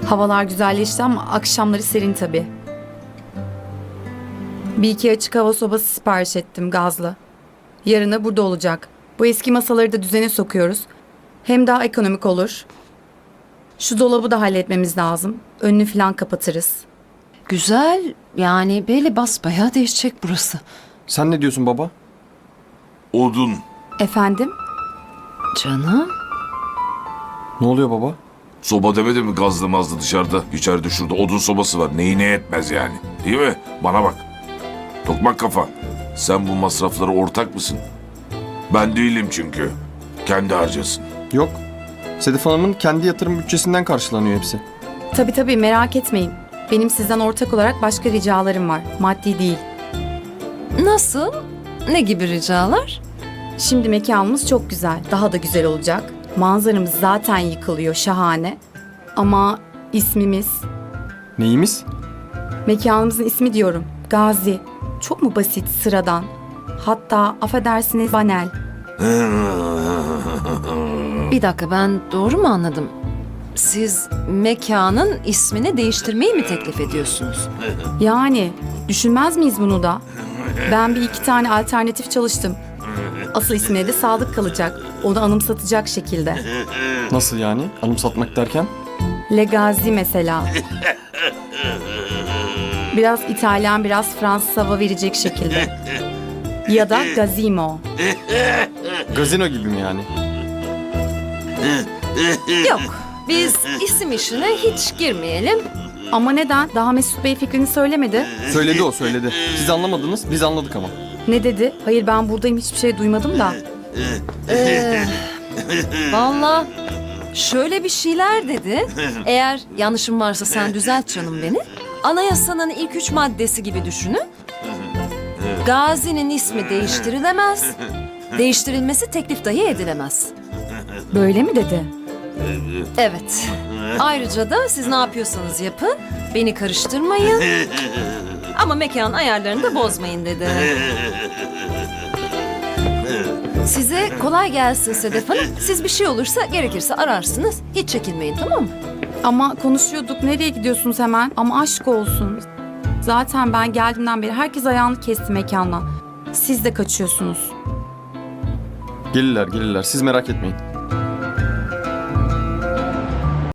Havalar güzelleşti ama akşamları serin tabii. Bir iki açık hava sobası sipariş ettim gazlı. Yarına burada olacak. Bu eski masaları da düzene sokuyoruz. Hem daha ekonomik olur. Şu dolabı da halletmemiz lazım. Önünü falan kapatırız. Güzel. Yani böyle basbayağı değişecek burası. Sen ne diyorsun baba? Odun. Efendim? Canım. Ne oluyor baba? Soba demedi mi gazlı mazlı dışarıda? İçeride şurada odun sobası var. Neyi ne etmez yani. Değil mi? Bana bak. Tokmak kafa. Sen bu masraflara ortak mısın? Ben değilim çünkü. Kendi harcasın. Yok. Sedef Hanım'ın kendi yatırım bütçesinden karşılanıyor hepsi. Tabii merak etmeyin. Benim sizden ortak olarak başka ricalarım var. Maddi değil. Nasıl? Ne gibi ricalar? Şimdi mekanımız çok güzel. Daha da güzel olacak. Manzaramız zaten yıkılıyor. Şahane. Ama ismimiz... Neyimiz? Mekanımızın ismi diyorum. Gazi. Çok mu basit, sıradan? Hatta affedersiniz banal. Bir dakika, ben doğru mu anladım? Siz mekanın ismini değiştirmeyi mi teklif ediyorsunuz? Yani düşünmez miyiz bunu da? Ben bir iki tane alternatif çalıştım. Asıl ismine de sadık kalacak. Onu anımsatacak şekilde. Nasıl yani? Anımsatmak derken? Legazi mesela. Biraz İtalyan, biraz Fransız hava verecek şekilde. Ya da Gazimo. Gazino gibi mi yani? Yok, biz isim işine hiç girmeyelim. Ama neden? Daha Mesut Bey fikrini söylemedi. Söyledi o söyledi. Siz anlamadınız, biz anladık ama. Ne dedi? Hayır ben buradayım hiçbir şey duymadım da. Vallahi şöyle bir şeyler dedi. Eğer yanlışım varsa sen düzelt canım beni. Anayasanın ilk 3 maddesi gibi düşünün. Gazi'nin ismi değiştirilemez. Değiştirilmesi teklif dahi edilemez. Böyle mi dedi? Evet. Ayrıca da siz ne yapıyorsanız yapın. Beni karıştırmayın. Ama mekan ayarlarını da bozmayın dedi. Size kolay gelsin Sedef Hanım. Siz bir şey olursa gerekirse ararsınız. Hiç çekinmeyin, tamam mı? Ama konuşuyorduk. Nereye gidiyorsunuz hemen? Ama aşk olsun. Zaten ben geldiğimden beri herkes ayağını kesti mekandan. Siz de kaçıyorsunuz. Gelirler gelirler, siz merak etmeyin.